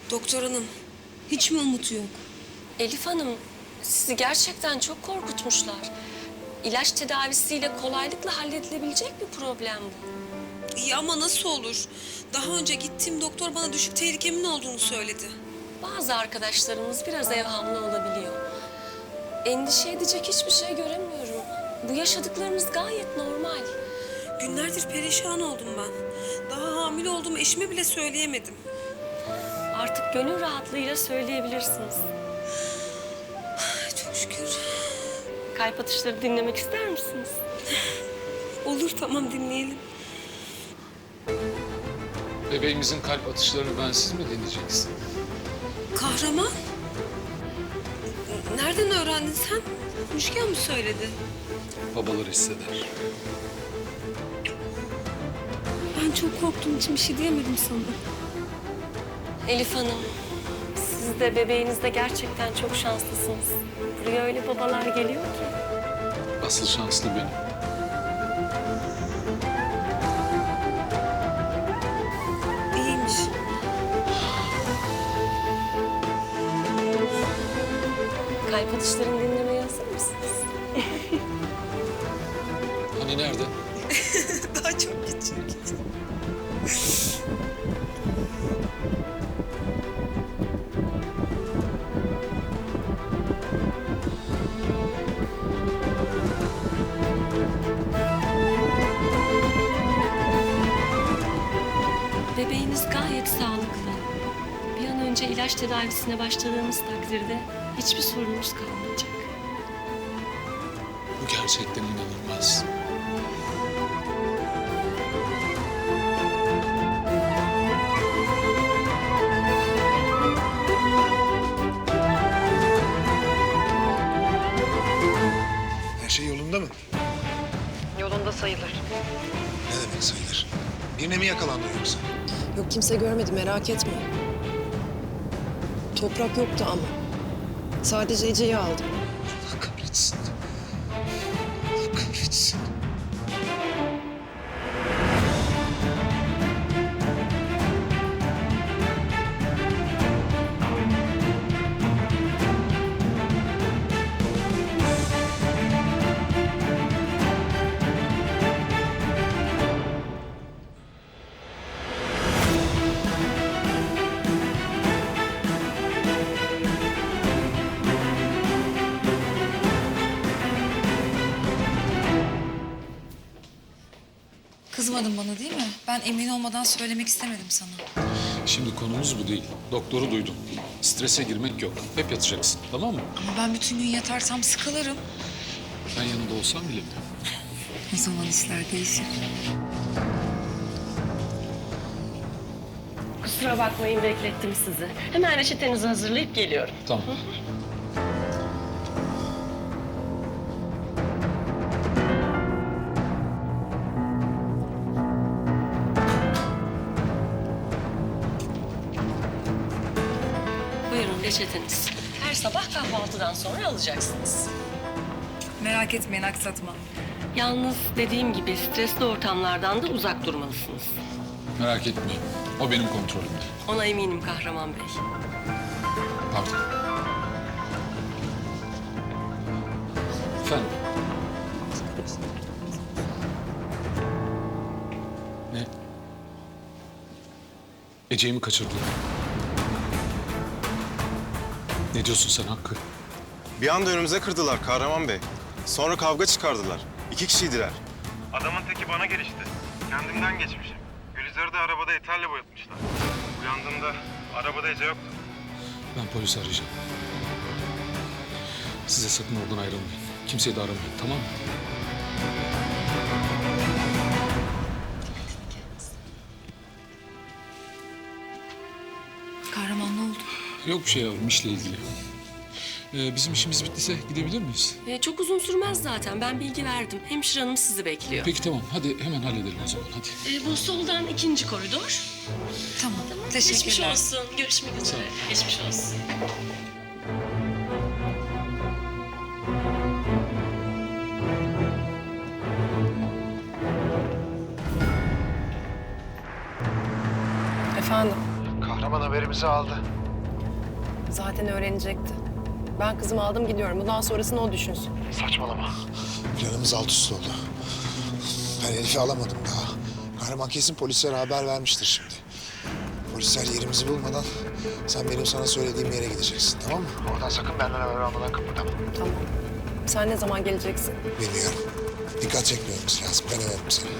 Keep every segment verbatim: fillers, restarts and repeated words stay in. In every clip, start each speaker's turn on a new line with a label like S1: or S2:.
S1: Doktor hanım, hiç mi umut yok?
S2: Elif Hanım, sizi gerçekten çok korkutmuşlar. İlaç tedavisiyle kolaylıkla halledilebilecek bir problem bu.
S1: İyi ama nasıl olur? Daha önce gittiğim doktor bana düşük tehlikemin olduğunu söyledi.
S2: Bazı arkadaşlarımız biraz evhamlı olabiliyor. Endişe edecek hiçbir şey göremiyorum. Bu yaşadıklarınız gayet normal.
S1: Günlerdir perişan oldum ben. Daha hamile olduğumu eşime bile söyleyemedim.
S2: Artık gönül rahatlığıyla söyleyebilirsiniz.
S1: Ay, çok şükür.
S2: Kalp atışları dinlemek ister misiniz?
S1: Olur, tamam, dinleyelim.
S3: Bebeğimizin kalp atışlarını ben siz mi dinleyeceksin?
S1: Kahraman? Nereden öğrendin sen? Müşken mi söyledi?
S3: Babalar hisseder.
S1: Ben çok korktuğum için bir şey diyemedim sana.
S2: Elif Hanım, siz de bebeğiniz de gerçekten çok şanslısınız. Buraya öyle babalar geliyor ki.
S3: Asıl şanslı benim.
S1: İyiymiş.
S2: Kalp atışlarını dinlemeye hazır mısınız?
S3: Hani nerede?
S1: Daha çok küçük.
S2: Bebeğiniz gayet sağlıklı. Bir an önce ilaç tedavisine başladığımız takdirde hiçbir sorunumuz kalmayacak.
S3: Bu gerçekten inanılmaz.
S4: Her şey yolunda mı?
S5: Yolunda sayılır.
S4: Ne demek sayılır? Birine mi yakalandı yoksa?
S5: Yok, kimse görmedi, merak etme. Toprak yoktu ama. Sadece Ece'yi aldım.
S4: Allah kahretsin. Allah kahretsin.
S6: Kızmadın bana değil mi? Ben emin olmadan söylemek istemedim sana.
S3: Şimdi konumuz bu değil. Doktoru duydum. Strese girmek yok. Hep yatacaksın, tamam mı?
S6: Ama ben bütün gün yatarsam sıkılırım.
S3: Ben yanında olsam bilemiyorum.
S6: O zaman işler değişir.
S2: Kusura bakmayın, beklettim sizi. Hemen reçetenizi hazırlayıp geliyorum.
S3: Tamam.
S2: Buyurun reçeteniz. Her sabah kahvaltıdan sonra alacaksınız.
S6: Merak etmeyin, aksatma.
S2: Yalnız dediğim gibi stresli ortamlardan da uzak durmalısınız.
S3: Merak etmeyin. O benim kontrolümde.
S2: Ona eminim Kahraman Bey.
S3: Pardon. Efendim? Ne? Ece'yi mi kaçırdılar? Ne diyorsun sen Hakkı?
S7: Bir anda önümüze kırdılar Kahraman Bey. Sonra kavga çıkardılar. İki kişiydiler.
S8: Adamın teki bana gelişti. Kendimden geçmişim. Gülizar'ı da arabada eterle boyatmışlar. Uyandığımda arabada Ece yoktu.
S3: Ben polisi arayacağım. Size sakın oradan ayrılmayın. Kimseyi de aramayın, tamam mı?
S6: Kahraman ne oldu?
S3: Yok bir şey yavrum, işle ilgili. Ee, bizim işimiz bittiyse gidebilir miyiz?
S2: Ee, çok uzun sürmez zaten. Ben bilgi verdim. Hemşire hanım sizi bekliyor.
S3: Peki tamam, hadi hemen halledelim o zaman, hadi.
S2: Ee, bu soldan ikinci koridor.
S6: Tamam,
S2: Geçmiş
S6: teşekkürler.
S2: olsun. Görüşmek üzere. Geçmiş olsun.
S5: Efendim?
S4: Kahraman haberimizi aldı.
S5: Zaten öğrenecekti. Ben kızımı aldım gidiyorum. Bundan sonrasını o düşünsün.
S4: Saçmalama. Planımız alt üst oldu. Ben Elif'i alamadım daha. Kahraman kesin polislere haber vermiştir şimdi. Polisler yerimizi bulmadan sen benim sana söylediğim yere gideceksin, tamam mı? Oradan sakın benden haber almadan kıpırdama.
S5: Tamam. Sen ne zaman geleceksin?
S4: Bilmiyorum. Dikkat çekmememiz lazım. Ben ararım seni.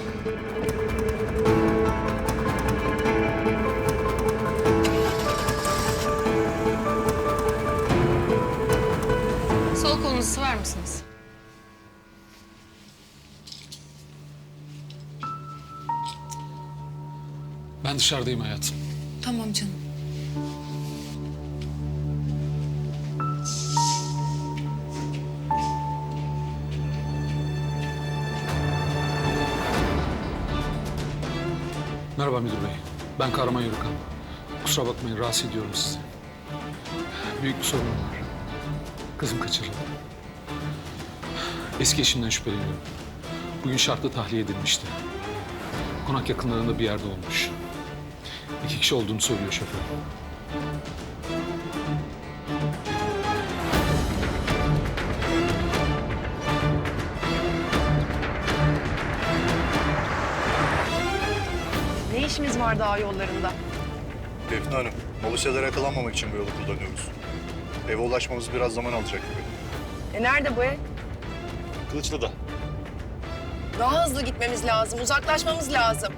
S2: Sol kolunuzu sıvar mısınız?
S3: Ben dışarıdayım hayatım.
S6: Tamam canım.
S3: Merhaba müdür bey. Ben Kahraman Yörükan. Kusura bakmayın, rahatsız ediyorum sizi. Büyük bir sorun var. Kızım kaçırıldı. Eski eşimden şüpheleniyorum. Bugün şartlı tahliye edilmişti. Konak yakınlarında bir yerde olmuş. İki kişi olduğunu söylüyor şoför.
S5: Ne işimiz var dağ yollarında?
S9: Defne Hanım, Malısya'da yakalanmamak için bu yolu kullanıyoruz. Eve ulaşmamız biraz zaman alacak gibi.
S5: E nerede bu ev?
S9: Kılıçlı'da.
S5: Daha hızlı gitmemiz lazım. Uzaklaşmamız lazım.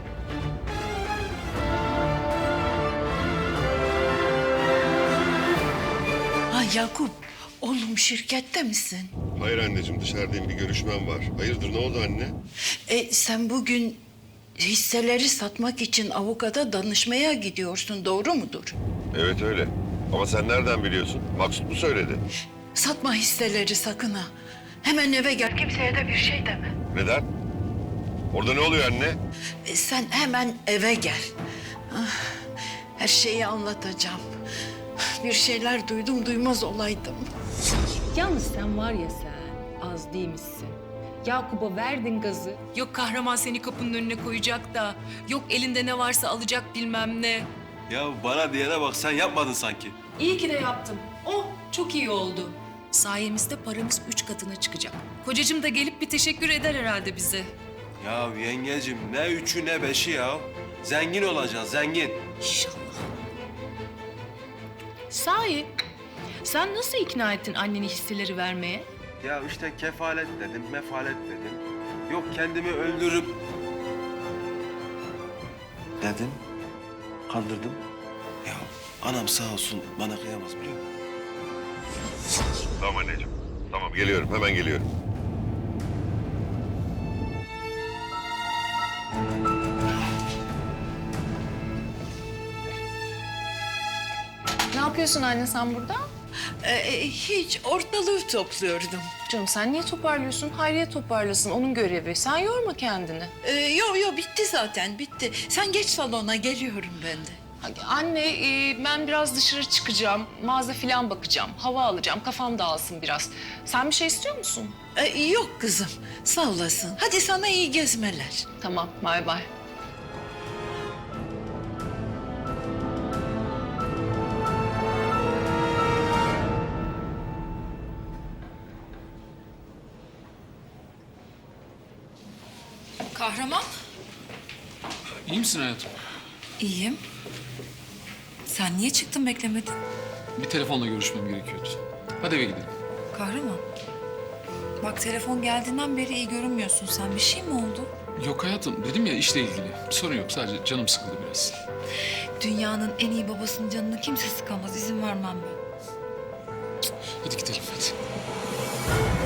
S10: Ha Yakup, oğlum şirkette misin?
S11: Hayır anneciğim, dışarıdayım, bir görüşmem var. Hayırdır, ne oldu anne?
S10: E, sen bugün hisseleri satmak için avukata danışmaya gidiyorsun, doğru mudur?
S11: Evet öyle. Ama sen nereden biliyorsun? Maksut mu söyledi?
S10: Satma hisseleri sakın ha. Hemen eve gel, kimseye de bir şey deme.
S11: Neden? Orada ne oluyor anne?
S10: E, sen hemen eve gel. Ah, her şeyi anlatacağım. Bir şeyler duydum, duymaz olaydım.
S12: Yalnız sen var ya sen, az değil misin? Yakup'a verdin gazı. Yok kahraman seni kapının önüne koyacak da, yok elinde ne varsa alacak bilmem ne.
S13: Ya bana diyene bak, sen yapmadın sanki.
S12: İyi ki de yaptım. Oh, çok iyi oldu. Sayemizde paramız üç katına çıkacak. Kocacığım da gelip bir teşekkür eder herhalde bize.
S13: Ya yengecim, ne üçü ne beşi ya. Zengin olacaksın, zengin.
S12: İnşallah. Sahi, sen nasıl ikna ettin anneni hisseleri vermeye?
S13: Ya işte kefalet dedim, mefalet dedim. Yok kendimi öldürüp... Dedim, kandırdım. Ya anam sağ olsun bana kıyamaz biliyor musun?
S11: Tamam anneciğim. Tamam, geliyorum, hemen geliyorum.
S12: Ne yapıyorsun anne sen burada?
S10: E, hiç, ortalığı topluyordum.
S12: Canım sen niye toparlıyorsun? Hayriye toparlasın, onun görevi. Sen yorma kendini.
S10: E, yo yo bitti zaten, bitti. Sen geç salona, geliyorum ben de.
S12: Anne, e, ben biraz dışarı çıkacağım. Mağaza falan bakacağım. Hava alacağım. Kafam dağılsın biraz. Sen bir şey istiyor musun?
S10: E, yok kızım, sağ olasın. Hadi sana iyi gezmeler.
S12: Tamam, bay bay.
S6: Kahraman,
S3: İyi misin hayatım?
S6: iyiyim. Sen niye çıktın beklemedin?
S3: Bir telefonla görüşmem gerekiyordu. Hadi eve gidelim.
S6: Kahraman, bak telefon geldiğinden beri iyi görünmüyorsun sen. Bir şey mi oldu?
S3: Yok hayatım, dedim ya işle ilgili. Bir sorun yok, sadece canım sıkıldı biraz.
S6: Dünyanın en iyi babasının canını kimse sıkamaz. İzin vermem ben.
S3: Hadi gidelim hadi.